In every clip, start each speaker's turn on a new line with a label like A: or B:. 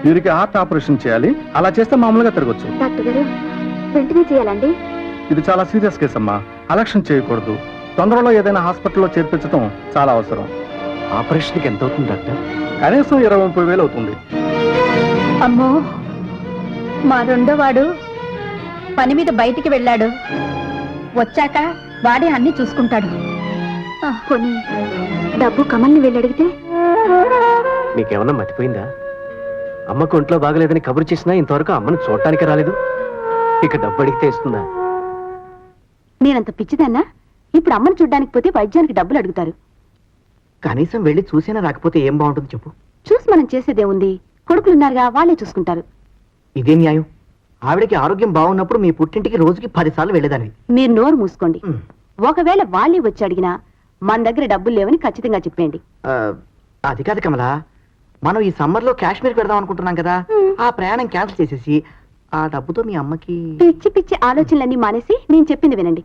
A: వీరికి heart operation చేయాలి. అలా చేస్తే మామూలుగా తిరగచ్చు.
B: డాక్టర్ గారు వెంటనే చేయాలండి.
A: ఇది చాలా సీరియస్ కేసు అమ్మా. అలక్ష్యం చేయకూడదు. తొందరలో ఏదైనా హాస్పిటల్లో చేర్పించడం చాలా అవసరం.
C: ఆపరేషన్కి ఎంత అవుతుంది డాక్టర్?
A: కనీసం 20-30 అవుతుంది.
B: అమ్మో, మా రెండో వాడు పని మీద బయటికి వెళ్ళాడు. వచ్చాక వాడే అన్ని చూసుకుంటాడు. కొన్ని డబ్బు కమల్ని వెళ్ళి అడిగితే
C: నీకేమన్నా మతిపోయిందా? అమ్మకు ఒంట్లో బాగలేదని కబురు చేసినా ఇంతవరకు అమ్మను చూడటానికి రాలేదు. ఇక డబ్బు అడిగితే ఇస్తుందా?
B: నేనంత పిచ్చిదన్నా? ఇప్పుడు అమ్మను చూడ్డానికి పోతే వైద్యానికి డబ్బులు అడుగుతారు.
C: కనీసం వెళ్ళి చూసినా రాకపోతే ఏం బాగుంటుంది చెప్పు.
B: చూసి మనం చేసేదేముంది? కొడుకులున్నారుగా, వాళ్ళే చూసుకుంటారు.
C: ఇదే న్యాయం. ఆవిడకి ఆరోగ్యం బాగున్నప్పుడు మీ పుట్టింటికి రోజుకి 10 సార్లు వెళ్ళేదాన్ని.
B: మీరు నోరు మూసుకోండి. ఒకవేళ వాళ్ళే వచ్చి అడిగినా మన దగ్గర డబ్బులు లేవని ఖచ్చితంగా చెప్పేయండి.
C: అది కాదు కమలా, మనం ఈ సమ్మర్ లో కాశ్మీర్ పెడదాం అనుకుంటున్నాం కదా. ఆ ప్రయాణం క్యాన్సిల్ చేసేసి ఆ డబ్బుతో మీ అమ్మకి
B: పిచ్చి పిచ్చి ఆలోచనలన్నీ మానేసి నేను చెప్పింది వినండి.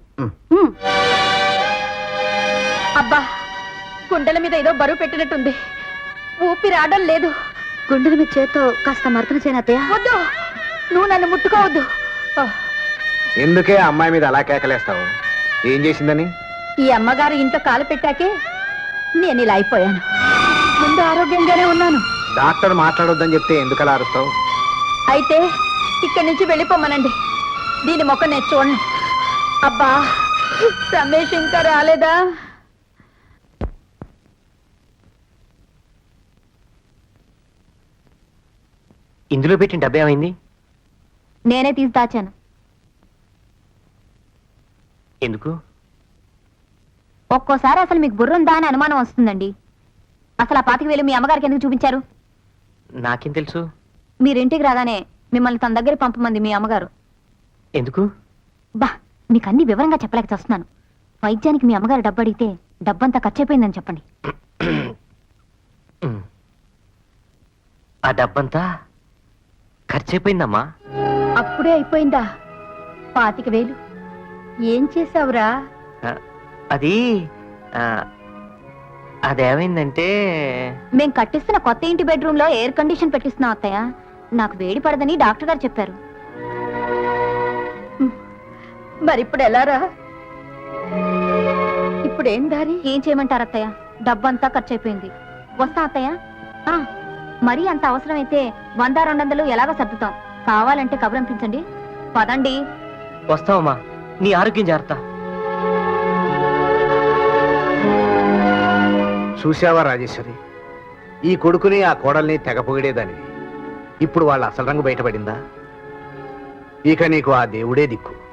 B: అబ్బా, గుండెల మీద ఏదో బరువు పెట్టినట్టుంది. ఊపిరాడడం లేదు. గుండెల మీద చేత్తో కాస్త మర్దన చేయనత్తయ్య. వద్దు, నువ్వు నన్ను ముట్టుకోవద్దు.
C: ఎందుకే అమ్మాయి మీద అలా కేకలేస్తావు? ఏం చేసిందని?
B: ఈ అమ్మగారు ఇంట్లో కాలు పెట్టాకే నేను ఇలా అయిపోయాను. ముందు ఆరోగ్యంగానే ఉన్నాను.
C: డాక్టర్ మాట్లాడొద్దని చెప్తే ఎందుకు అలా అరుస్తావు?
B: అయితే ఇక్కడి నుంచి వెళ్ళిపోమనండి. దీని మొక్క నేను చూడను. అబ్బా, రమేష్ ఇంకా రాలేదా?
C: ఇందులో పెట్టిన డబ్బు ఏమైంది?
B: నేనే తీసి దాచాను.
C: ఎందుకు?
B: ఒక్కోసారి అసలు మీకు బుర్రుందా అని అనుమానం వస్తుందండి. అసలు ఆ 25,000 మీ అమ్మగారికి ఎందుకు చూపించారు?
C: నాకేం తెలుసు?
B: మీరింటికి రాగానే మిమ్మల్ని తన దగ్గర పంపమంది మీ అమ్మగారు.
C: ఎందుకు?
B: బా, మీకు అన్ని వివరంగా చెప్పలేక చేస్తున్నాను. వైద్యానికి మీ అమ్మగారు డబ్బు అడిగితే డబ్బంతా ఖర్చయిపోయిందని చెప్పండి.
C: ఆ డబ్బంతా ఖర్చయిపోయిందమ్మా.
B: అప్పుడే అయిపోయిందా? 25,000 ఏం చేసావురా?
C: అది అదేమైందంటే,
B: మేం కట్టిస్తున్న కొత్త ఇంటి బెడ్రూమ్ లో ఎయిర్ కండిషన్ పెట్టిస్తున్నాం అత్తయ్య. నాకు వేడి పడదని డాక్టర్ గారు చెప్పారు. మరిప్పుడు ఎలారా? ఇప్పుడు ఏం దారి? ఏం చేయమంటారు అత్తయ్య? డబ్బంతా ఖర్చయిపోయింది. వస్తా అత్తయ్య. మరీ అంత అవసరమైతే 100-200 ఎలాగో సర్దుతాం. కావాలంటే కబురంపించండి. పదండి.
C: వస్తావమ్మా, నీ ఆరోగ్యం జాగ్రత్త.
D: చూశావా రాజేశ్వరి, ఈ కొడుకుని ఆ కోడల్ని తెగ పొగిడేదానివి. ఇప్పుడు వాళ్ళ అసలు రంగు బయటపడిందా? ఇక నీకు ఆ దేవుడే దిక్కు.